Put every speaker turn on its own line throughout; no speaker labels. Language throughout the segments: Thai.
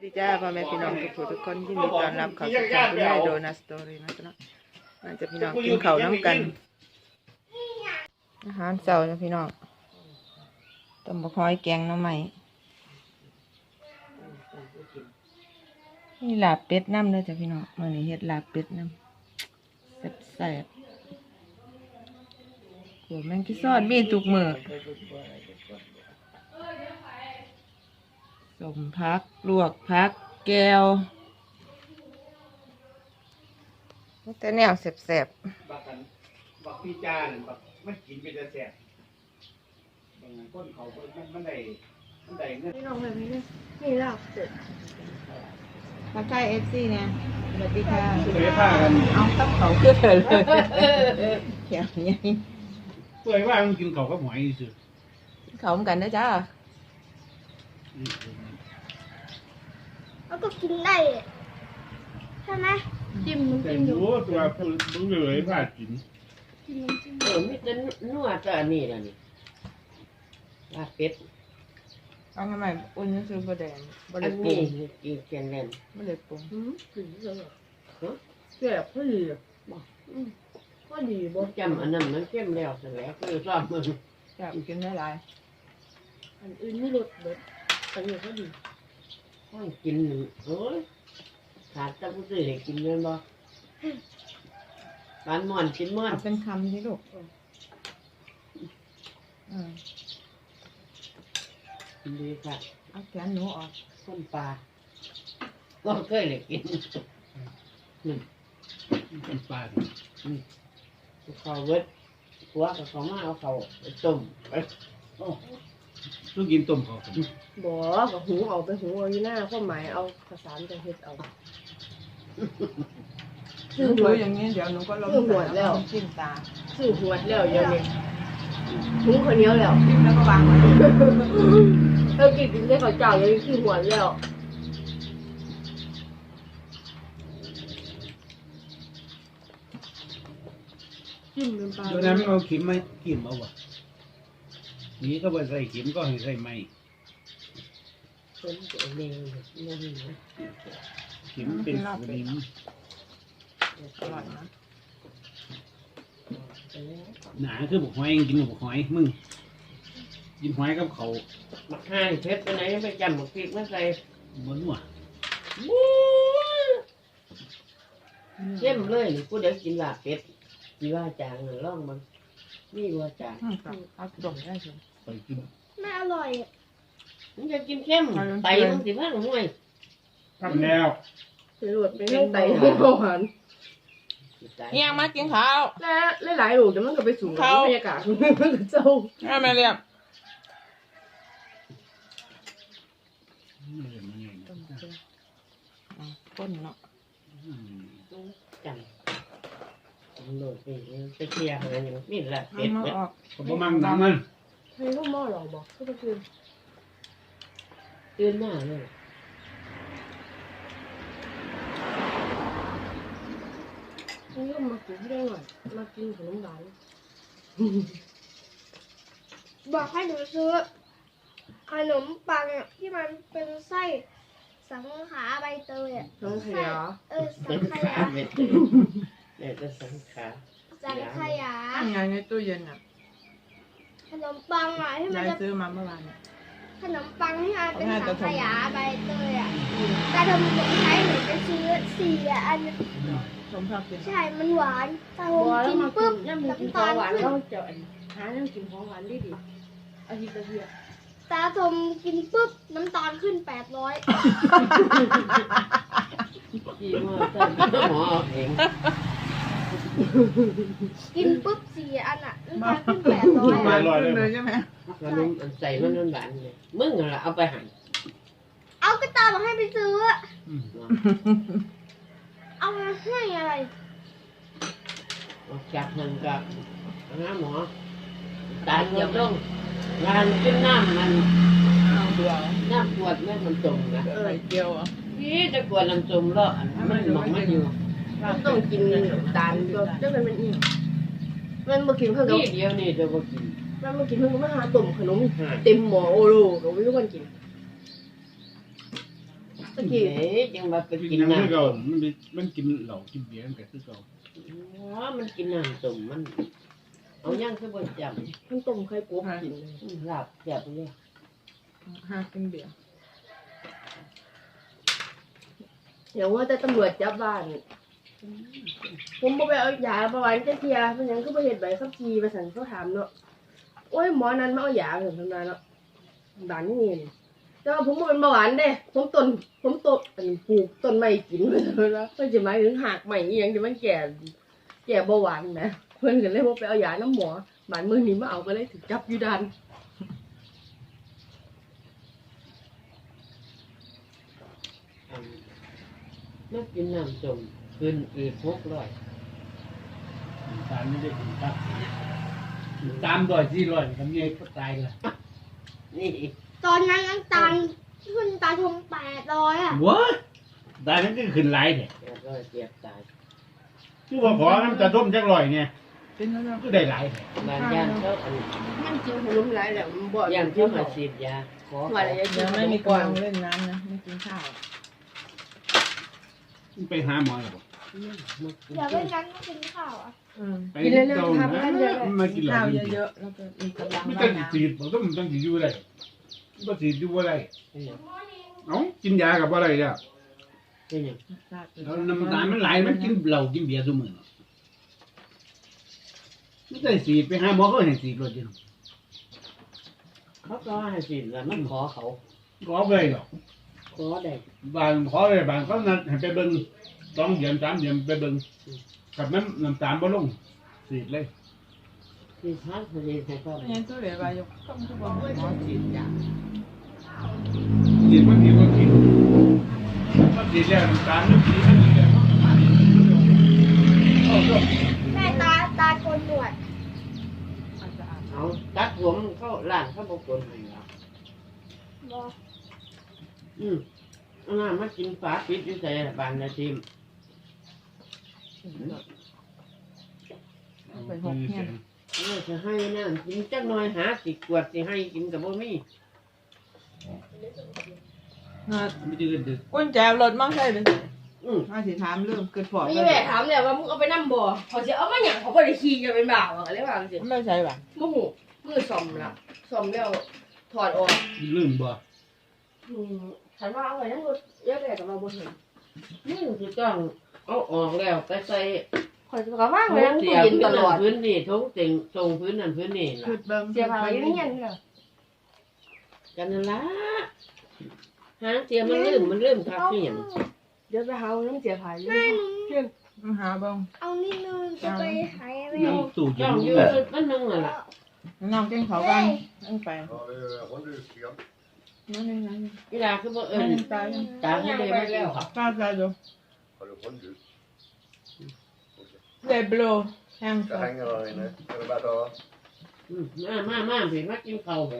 ดีจ้าพ่อแม่พี่น้องทุกคนยินดีต้อนรับเข้าสู่ช่องคุณยายโดนัทสตอรี่นะจ๊ะมันจะพี่น้องกินข้าวน้ำกันอาหารเช้าจ้ะพี่น้องต้มบะฮอยแกงหน่อไม้นี่ลาบเป็ดน้ำเลยจ้ะพี่น้องมื้อนี้เฮ็ดลาบเป็ดน้ำแซ่บๆหัวแมงกี้ซอดมีทุกมื้อสมพักลวกพักแก้วแต่แนวแสบ
บักพี่จานบักมันกินเป็นแสบบางคนเขามันได้เงิน
พี่น้องแบบนี้เลยนี่ลาบเป็ด
ๆทักทายFCเนี่ยสวัสดีค่ะ
เพื่อผ้ากัน
เอาตับเขาคือเธอเลยแขวยัง
เพื่อว่ามันกินเขาก็หอยสุด
เขาเหมือนกันนะจ้า
แล้วก็กินได้ใช่ไหมจิ้มน้ำ
แต่
จิ้มอยู่
รู้ตัวมึงเลยผ้ากิน
จิ้มน้ำจิ้ม
มีแต่นัวแต่อันนี้ล่ะนี่ลาบเป็ด
เอาทำไมอุ่นนั่นคือบะแดงบะ
อั
เล็
น
ปรุ
นี้
ง
กินแกงแล่น
บะเล็ปรุง
ถึงเลย
แซ่บพอดี
ก็ดีบ่
บ่จำอันนั้นมันเข้มแล้วซะแล้วคือชอบมึง
แซ่บกินได้หลาย
อันอื่นไม่ลดเบิดอันนี้ก็ดี
ห้องกินโอ้ยขาดแต่ผู้ซื้อให้กินแม่นบ่ปานม่อนกินม่อน
เอาเป็นคำที่ลูก
กินดีค่ะ
เอาแขนหนูออก
คนปลาก็เคยเลยกิน
เป็นปลา
เขาเวิดหัวกับเขามาเอาเขาไปต้มไป
ต้องกินต้มเขา
บ่ก็หูเอาไปหูเอาอยู่หน้าความหมายเอาภาษาจะเฮ็ดเอา
หนูดูอย่างนี้เดี๋ยวหนูก็ลงจิ้มตา
ซื้อหวดแล้วเดี๋ยวนี้หูคนเหนียวแล้ว
จิ้มแล้วก็วางไว้
กินได้ข้าวเจ้ายังซื้อหวดแล้วจิ้มเป็นปลา
ตัวนั้นเอาขิมมาขิมเอาวะนี่ก็ไปใส่ขิมก็ให้ใส่ไม้
เป็นตัวเองนั่นนะ
ขิมเป็นสนิม
อร่อยนะ
หนาคือบุกหอยกินบุกหอยมึงกินหอยกับเขา
มักห่างเพชรไปไหนไปจำมักพริกมาใส่
บนหัว
เข้มเลยกูเดี๋ยวกินลาบเป็ดมีว่าจางล่องมันนี่ว่าจาง
เอาดมได้สิ
ไปกิน
ไม่อร่อย
มันจะกินเข้มไตมันสิว่าห่วย
ทำแล้ว
เป็นหลวดเป็นเรื่องไตเรื่องเบาหวาน
เอียงมากินข้าว
และหลายๆลูกจะมันก็ไปสูงกับบรรยากาศมันก็เจ้า
แม่เรียบ ก้นเนาะ
จำโหลดไปเคลียร์อะไรอย่างนี้แหละเป็ด
มาออก
เขาบ่มั่งน้ำมัน
ให้ลูกหม้อหรอบอกก็คือ
ตื่นมาเลย
ให้ลูกมากินได้หน่อยมากินขนมหวานบอกให้หนูซื้อขนมปังที่มันเป็นไส้สังขารใบเตยอ่ะ
น้องขยะ
สังขยา
เม็ดเนี่ยจะสังขา
สังขยา
ทำงานในตู้เย็นอ่ะ
ขนมปังอ่ะที่มัน
ยาย
จะ
ซื้อมาเมื่อวาน
ขนมปังที่มันเป็นสังขยาใบเตยอ่ะแต่ทำผมใช้หนูจะซื้อ4 อัน
สมภาพกิน
ใช่มันหวานแต่ผมกินปุ๊บน้ำตาลขึ้น
เราจะหาเรื่องกินของหวานได้ดิอาทิตย์ละเทีย
ตาทมกินปุ๊บน้ำตาลขึ้น800
ขี้มือเต้นหมอเอง
กินปุ๊บ4 อันอ่ะน้ำตาลขึ้น
มา
800
เลยใช่ไหม
ขนมใส่มันหวานเลยมึงอะไรเอาไปหั่น
เอากระตาบอกให้ไปซื้อ เอามาให้อะไร
จากหั่นกับน้ำหมอตาเกี่ยวลงงานกินน้ำมัน
เอาเบื่อ
น้ำขวดแม่มันจมนะ
ใส่เกี๊ยวอ่ะ
พี่จะขวดน้ำจมแล้วมันหมองมันอยู่
ต้องกินน้ำตาลก็จะเป็นอีกมันมากินเพื่อนก็
นี่เดียวนี่จะมากิน
มันมากินเพื่อนก็มาหาตุ่มขนมเต็มหม้อโอโลก็ไม่รู้กันกิน
ตะกี้
เอ๊ะยังมาไป
กิ
กิ
น
น
น้ำ
น้ำ
คือเก่ามันกินเหล้ากินเบียร์กันคือเก่า
อ๋อมันกินน้ำต้มมันเอาย่างคือบ่จ
มันต้มไข่กบกินเลย
ำลาบแซ่บเลย
หากินเบียร์
เดี๋ยวว่าแต่ตำรวจจับบ้าน ผมบ่ไปเอายาประวันจะเทียเป็นหยังคือบ่เฮ็ดใบขับขี่ไปสั่นเขาถามเนาะโอ้ยหมอนั้นมาเอายาเพิ่นทำนาเนาะบ้านนี่นี่แต่ว่าผมบ่เป็นเบาหวานเด้ผมต้นอันปลูกต้นไม้กินไปแล้วเพิ่นสิหมายถึงหากใหม่อีหยังที่มันแก่เบาหวานนะเพิ่นก็เลยบ่ไปเอายาน้ำหมอบ้านเมืองนี้มาเอาก็เลยถูกจับอยู่ด่าน
มากินน้ำต้มขึ้นอีก600
ตามไม่ได้กินครับ300-400ทำไงก็ตายละ
นี่
ตอนนั้นน้ำตาลขึ้นตาชม800อ่ะ
ว้าตายมันก็ขึ้นหลายเนี่ย
800เจ็บตาย
คือว่าขอน้ำตาต้มจัก100เนี่ย
เป็นแล้วเนาะ
ก็ได้หลายเนี่ย
บ้านย่านเขาอัน
มันกินขนมหลายแล้วมันบ่
ย่านที่มาฉีดยาขอ
ว่าอะไร
เดี๋ยวไม่มีกวางเล่นน้ำนะไม่กินข้าว
ไปหาหมอแล้วบ่
เดี๋ยวไม่งั้นไม่กินข้าวอ่ะ
ไปเก่านะมากินเหล้า
ข้าว
กินเบี
เย
ยร์
อะๆแล้วก็มีกำลัง
ไม่
ว่า
ต้อง
น้ำ
ฉีดบอกต้องฉีดอยู่ได้ก็ฉีดอยู่ว่าไรเอ้ากินยากับว่าไรเนี่ย
เป็นหยัง
แล้วน้ำตาลมันไหลมันกินเหล้ากินเบียร์เสมอไม่ได้ฉีดไปหาหมอก็เห็นฉีดรถอยู่
เขาก็ให้ฉีดแล้วมันขอเขา
ก็ไปหรอก
ขอได้
บางขอเลยบางเขานัดให้ไปเบิ่ง2 เดือน 3 เดือนไปเบิ่งกับน้ำตาลบ่ลงฉีดเลย
ที่พักทะเลให้เขา
ไม่งั้นตัวเหลือไปยกต้องทุกวันหมอฉีดยา
ฉีดมันดีกว่ากินถ้าฉีดแล้วน้ำตาลมันฉีดมันดีแล้วเอาก็
แม่ตาโกนหนวด
เอาตัดผมเขาล้านเขาบอกคนให้เรา
บอก
อันนั้นมากินฝาปิดอยู่ใส่บ้านนาทีม
ไปหกเงี้ย
เราจะให้นั่นกินจักหน่อยหาสิกวดสิให้กินกับบ่มี
ไม่จืดดึก
กุญแจรถมั่งใช่ไหม
อืม
มาสิถามเรื่องเกิดปอด
มีแม่ถามเนี่ยว่ามึงเอาไปนำบ่เขาสิเอามาหยังเขาบ่ได้ขี่กันเป็นบ่าวอะไรว่าจังซี่
ไม่ใช่ป่ะ
บ่ฮู้มือซ่อมละซ่อมแล้วถอดออก
ลืมบ่
ฉันว่าเอาไว้ทั้งรถเยอะเลยกับเราบ่เห็น
นี่คือต้องเอาออกแล้วไปใส่
ข่อยก็ว่าง
ทุ
ไว้
ง
ทั้ง
เสี
ตู้
ย
เย็น
พื้
ต
น
ล
นั่
อน ด
พื้นนี่ทุงเต็งทรงพื้นนั่นพื้นนี่ล่ะ
คือเบิ่ง
เสียผ้าไว้ในเย็นเด้อ
กันนั่นล่ะหางเสียมันลืมคักที่หยัง
เดี๋ยวไปหาน้ำเสียผ้าอยู่
แม่หนู
เพียง
หาเบิ่ง
เอานิดนึงจะไปหายแม่
น้ำตู้
จ้องอยู่มันนึงน่ะล่ะ
น้องเก่งเขาบ้างนั่งไป
Ja, håller du skam?
นั่นนี่นั่น
เวลาคือบ่เอิ้
นั่
น
นตาย
ตามให้เลยมาแล้ว
ก้าวใจดู
Har du håller ut?
เดบโลแทง
Jag hänger där inne. Är det bara att
มาเพิ่นมากินข้าวแหม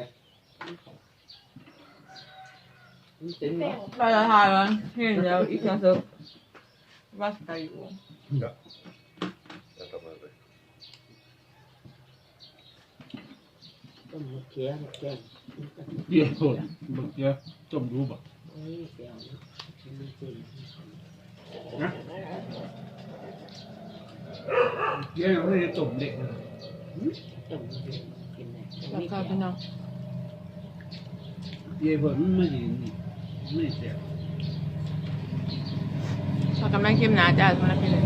มันเป็นบ่
เราจะทายมันที่เดียวอีกอย่างสุดว่าสกายอยู่
jag tar med dig?
ต้มมะเขือแกง
เดี๋ยวโทษบักเดี๋ยวต้มดูบ่
โอ้ยแก้วนะมันสิ
นะเดี๋ยวเราไม่ได้ต้มเด็กนะ
ต้มกินได้
ราคาเป็นน้อง
เดี๋ยวเพิ่นไม่ยินนี่ไม่เสีย
พอกันแม่งเข้มหนาจ้าสำหรับพี่เลย